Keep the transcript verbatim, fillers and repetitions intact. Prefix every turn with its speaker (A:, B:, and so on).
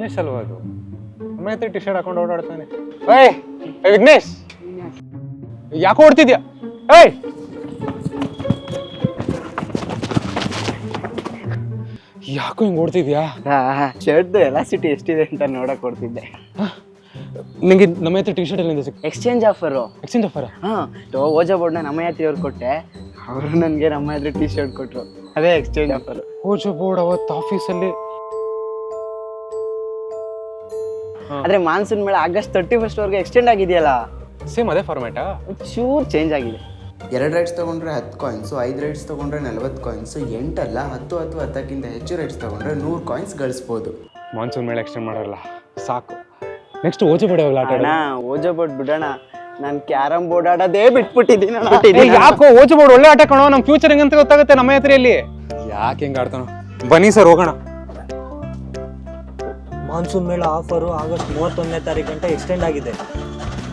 A: ವಿಘ್ನೇಶ್ ಅಲ್ವಾ ಅದು? ನಮ್ಮ ಹತ್ರ ಟಿ ಶರ್ಟ್ ಹಾಕೊಂಡು ಓಡಾಡ್ತಾನೆ. ಏಯ್ ವಿಘ್ನೇಶ್, ಯಾಕೋ ಓಡ್ತಿದ್ಯಾ? ಏಯ್ ಯಾಕೋ ಹಿಂಗ್ ಓಡ್ತಿದ್ಯಾ?
B: ಶರ್ಟ್ ಎಲಾಸಿಟಿ ಎಷ್ಟಿದೆ ಅಂತ ನೋಡಕ್ ಕೊಡ್ತಿದ್ದೆ.
A: ನಿಂಗೆ ನಮ್ಮ ಹತ್ರ ಟಿ ಶರ್ಟ್ ಎಲ್ಲಿಂದ ಸಿಕ್?
B: Exchange offer.
A: Exchange offer?
B: ಹಾ, ಓಜಾ ಬೋರ್ಡ್ನ ನಮ್ಮ ಹತ್ರ ಅವ್ರು ಕೊಟ್ಟೆ, ಅವರು ನನಗೆ ನಮ್ಮ ಹತ್ರ ಟಿ ಶರ್ಟ್ ಕೊಟ್ರು. ಅದೇ ಎಕ್ಸ್ಚೇಂಜ್ ಆಫರ್.
A: ಓಜಾ ಬೋರ್ಡ್ ಅವತ್ತು ಆಫೀಸಲ್ಲಿ.
B: ಆದ್ರೆ ಮಾನ್ಸೂನ್ ಮೇಳ ಆಗಸ್ಟ್ ತರ್ಟಿ ಫಸ್ಟ್ ವರೆಗೆ ಎಕ್ಸ್ಟೆಂಡ್ ಆಗಿದೆಯಲ್ಲ,
A: ಸೇಮ್ ಅದೇ ಫಾರ್ಮ್ಯಾಟಾ?
B: ಚೂರ್ ಚೇಂಜ್ ಆಗಿದೆ.
C: ಎರಡು ರೈಡ್ಸ್ ತೊಗೊಂಡ್ರೆ ಹತ್ತು ಕಾಯಿನ್ಸು, ಐದು ರೈಡ್ಸ್ ತೊಗೊಂಡ್ರೆ ನಲ್ವತ್ತು ಕಾಯಿನ್ಸು, ಎಂಟಲ್ಲ ಹತ್ತು ಹತ್ತು ಹತ್ತಕ್ಕಿಂತ ಹೆಚ್ಚು ರೈಡ್ಸ್ ತೊಗೊಂಡ್ರೆ ನೂರು ಕಾಯಿನ್ಸ್ ಗಳಿಸ್ಬೋದು.
A: ಮಾನ್ಸೂನ್ ಮೇಲೆ ಎಕ್ಸ್ಟೆಂಡ್ ಮಾಡಲ್ಲ, ಸಾಕು. ನೆಕ್ಸ್ಟ್ ಓಜಾ ಬೋರ್ಡ್ ಯಾವಾಗ ಆಟ?
B: ಅಣ್ಣ ಓಜಾ ಬೋರ್ಡ್ ಬಿಡೋಣ, ನಾನು ಕ್ಯಾರಮ್ ಬೋರ್ಡ್ ಆಡೋದೇ ಬಿಟ್ಬಿಟ್ಟಿದ್ದೀನಿ.
A: ಯಾಕೋ ಓಜಾ ಬೋರ್ಡ್ ಒಳ್ಳೆ ಆಟ ಕಣೋ, ನಮ್ಮ ಫ್ಯೂಚರ್ ಹೆಂಗಂತ ಗೊತ್ತಾಗುತ್ತೆ ನಮ್ಮ ಹತ್ರಲ್ಲಿ. ಯಾಕೆ ಹೆಂಗೆ ಆಡ್ತಾನೋ? ಬನ್ನಿ ಸರ್ ಹೋಗೋಣ.
D: ಮಾನ್ಸೂನ್ ಮೇಳ ಆಫರು ಆಗಸ್ಟ್ ಮೂವತ್ತೊಂದನೇ ತಾರೀಕು ಗಂಟೆ ಎಕ್ಸ್ಟೆಂಡ್ ಆಗಿದೆ.